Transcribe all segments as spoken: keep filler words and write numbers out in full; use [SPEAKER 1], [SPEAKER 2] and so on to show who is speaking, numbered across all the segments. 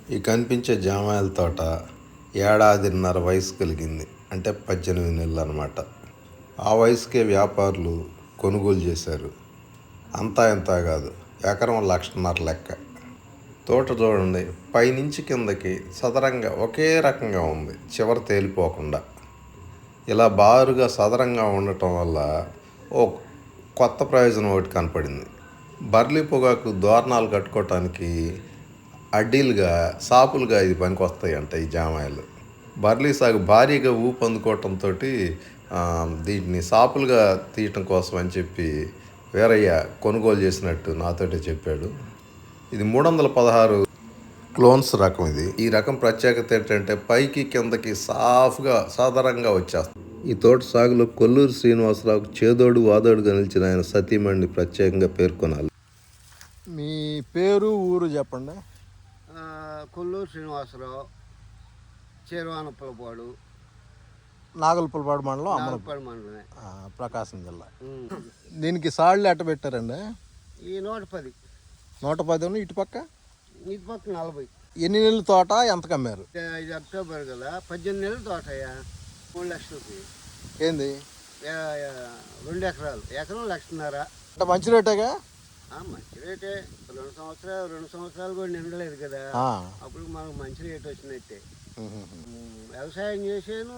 [SPEAKER 1] ఈ కనిపించే జామాయిల తోట ఏడాదిన్నర వయసు కలిగింది, అంటే పద్దెనిమిది నెలలు అన్నమాట. ఆ వయసుకే వ్యాపారులు కొనుగోలు చేశారు. అంతా ఇంత కాదు, ఎకరం లక్షన్నర లెక్క. తోట చూడండి, పైనుంచి కిందకి సదరంగా ఒకే రకంగా ఉంది, చివర తేలిపోకుండా. ఇలా బారుగా సదరంగా ఉండటం వల్ల ఓ కొత్త ప్రయోజనం ఒకటి కనపడింది. బర్లీ పొగాకు దోరణాలు కట్టుకోవటానికి అడ్డీలుగా సాపులుగా ఇది పనికొస్తాయి అంట ఈ జామాయిలు. బర్లీ సాగు భారీగా ఊపు అందుకోవటంతో దీన్ని సాపులుగా తీయటం కోసం అని చెప్పి వీరయ్య కొనుగోలు చేసినట్టు నాతోటే చెప్పాడు. ఇది మూడు వందల పదహారు క్లోన్స్ రకం. ఇది ఈ రకం ప్రత్యేకత ఏంటంటే పైకి కిందకి సాఫ్గా సాధారణంగా వచ్చేస్తుంది. ఈ తోట సాగులో కొల్లూరు శ్రీనివాసరావుకు చేదోడు వాదోడుగా నిలిచిన ఆయన సతీమణిని ప్రత్యేకంగా పేర్కొనాలి.
[SPEAKER 2] మీ పేరు ఊరు చెప్పండి.
[SPEAKER 3] కొల్లూరు శ్రీనివాసరావు, చేరువానప్పలపాడు,
[SPEAKER 2] నాగలపులపాడు మండలం,
[SPEAKER 3] అమలపాడు మండలమే,
[SPEAKER 2] ప్రకాశం జిల్లా. దీనికి సాళ్ళు ఎట్ట పెట్టారండి?
[SPEAKER 3] ఈ నూట పది
[SPEAKER 2] నూట పది ఇటు పక్క
[SPEAKER 3] ఇటు పక్క నలభై.
[SPEAKER 2] ఎన్ని నెలల తోట ఎంత కమ్మారు?
[SPEAKER 3] ఇది అక్టోబర్ కదా, పద్దెనిమిది నెలల తోట అయ్యా, మూడు లక్షలకి.
[SPEAKER 2] ఏంది?
[SPEAKER 3] రెండు ఎకరాలు, ఎకరం లక్షన్నర.
[SPEAKER 2] అంటే మంచి రేటేగా?
[SPEAKER 3] మంచి రేటే. రెండు సంవత్సరాలు రెండు సంవత్సరాలు కూడా నిండలేదు కదా, అప్పుడు మనకు మంచి రేట్ వచ్చినట్టే. వ్యవసాయం చేసాను,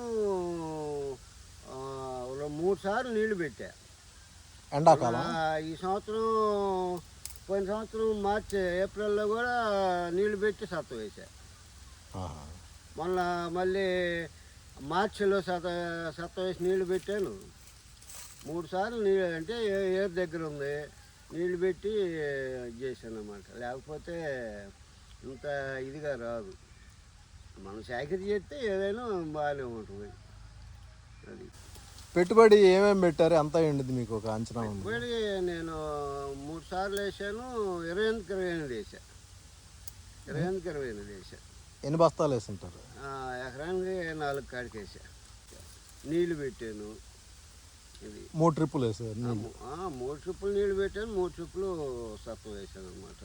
[SPEAKER 3] మూడు సార్లు నీళ్లు పెట్టా
[SPEAKER 2] ఎండాకాలం.
[SPEAKER 3] ఈ సంవత్సరం పోయిన సంవత్సరం మార్చి ఏప్రిల్లో కూడా నీళ్లు పెట్టి సత్త వేసా. మొన్న మళ్ళీ మార్చిలో సత సత్త వేసి నీళ్లు పెట్టాను. మూడు సార్లు నీళ్ళు అంటే ఏరు దగ్గర ఉంది, నీళ్ళు పెట్టి చేశాను అన్నమాట. లేకపోతే ఇంత ఇదిగా రాదు. మనం సేకరి చేస్తే ఏదైనా బాగానే ఉంటుంది. అది
[SPEAKER 2] పెట్టుబడి ఏమేమి పెట్టారు, ఎంత అయ్యింది మీకు ఒక అంచనా?
[SPEAKER 3] పెట్టుబడి నేను మూడు సార్లు వేసాను, ఇరవై ఎనిమిదికి ఇరవై ఎనిమిది వేసా ఇరవై ఎనిమిదికి ఇరవై ఎనిమిది వేసా.
[SPEAKER 2] ఎన్ని బస్తాలు వేసుంటారు?
[SPEAKER 3] ఎకరానికి నాలుగు కాడికి వేసా. నీళ్ళు పెట్టాను. ఇది
[SPEAKER 2] మూడు ట్రిప్పులు వేసారు?
[SPEAKER 3] మూడు ట్రిప్పులు నీళ్ళు పెట్టాను, మూడు ట్రిప్పులు సత్వం వేసాను అనమాట.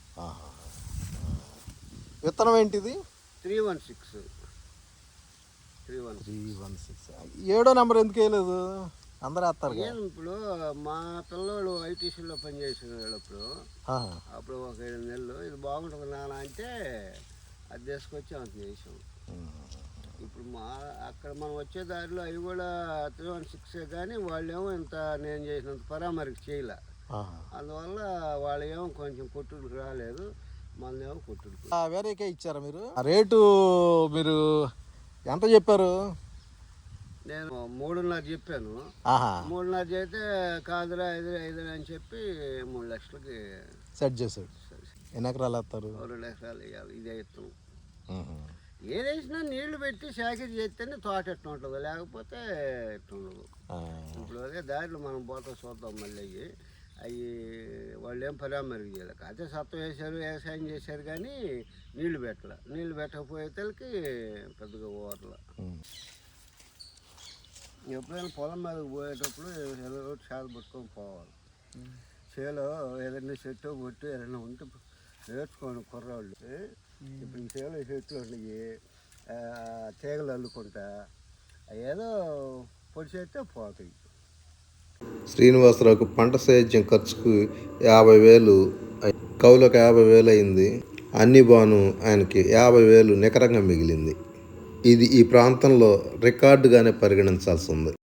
[SPEAKER 2] విత్తనం ఏంటిది?
[SPEAKER 3] Three one six three one
[SPEAKER 2] three one six ఏడో నెంబర్ ఎందుకు వేయలేదు? అందరూ వేస్తారు.
[SPEAKER 3] ఇప్పుడు మా పిల్లలు ఐటీసీలో పనిచేసేటప్పుడు అప్పుడు ఒక ఏడు నెలలు ఇది బాగుంటుంది నాన్న అంటే అది తీసుకొచ్చి అంత చేసాం. ఇప్పుడు మా అక్కడ మనం వచ్చే దారిలో అవి కూడా త్రీ వన్ సిక్స్ కానీ వాళ్ళేమో ఇంత నేను చేసినంత పరామరికి చేయలే. అందువల్ల వాళ్ళు ఏమో కొంచెం కొట్టుడికి రాలేదు, మనమేమో కొట్టుడికి.
[SPEAKER 2] వేరేకే ఇచ్చారా మీరు? రేటు మీరు ఎంత చెప్పారు?
[SPEAKER 3] నేను మూడున్నర చెప్పాను. మూడున్నర చేస్తే కాదురా ఐదు ఐదు అని చెప్పి మూడు లక్షలకి
[SPEAKER 2] సెట్ చేశాడు. ఎన్ని ఎకరాలు వేస్తారు?
[SPEAKER 3] రెండు ఎకరాలు వేయాలి. ఇదే ఇస్తాం. ఏదేసినా నీళ్లు పెట్టి సేకరి చేస్తేనే తోట ఎట్లా ఉంటుంది, లేకపోతే ఎట్లా ఉండదు. ఇప్పుడు అదే దారిలో మనం పోతా చూద్దాం. మళ్ళీ అవి వాళ్ళు ఏం పరామరికి చేయలేదు, అయితే సత్వం వేశారు, వ్యవసాయం చేశారు కానీ నీళ్లు పెట్టలే. నీళ్లు పెట్టకపోయేతలకి పెద్దగా ఓవర్ల. ఎప్పుడైనా పొలం మీదకి పోయేటప్పుడు ఏదో చేలు పట్టుకొని పోవాలి. చేలో ఏదైనా చెట్టు పొట్టు ఏదైనా ఉంటే నేర్చుకోండి కుర్రాళ్ళు. ఇప్పుడు ఈ చేలో చెట్లు ఉన్నాయి, తీగలు అల్లుకుంటా ఏదో పొడి చేస్తే పోతాయి.
[SPEAKER 1] శ్రీనివాసరావుకు పంట సేద్యం ఖర్చుకు యాభై వేలు, కౌలకు యాభై వేలు అయింది. అన్ని బాను ఆయనకి యాభై వేలు నికరంగా మిగిలింది. ఇది ఈ ప్రాంతంలో రికార్డుగానే పరిగణించాల్సి ఉంది.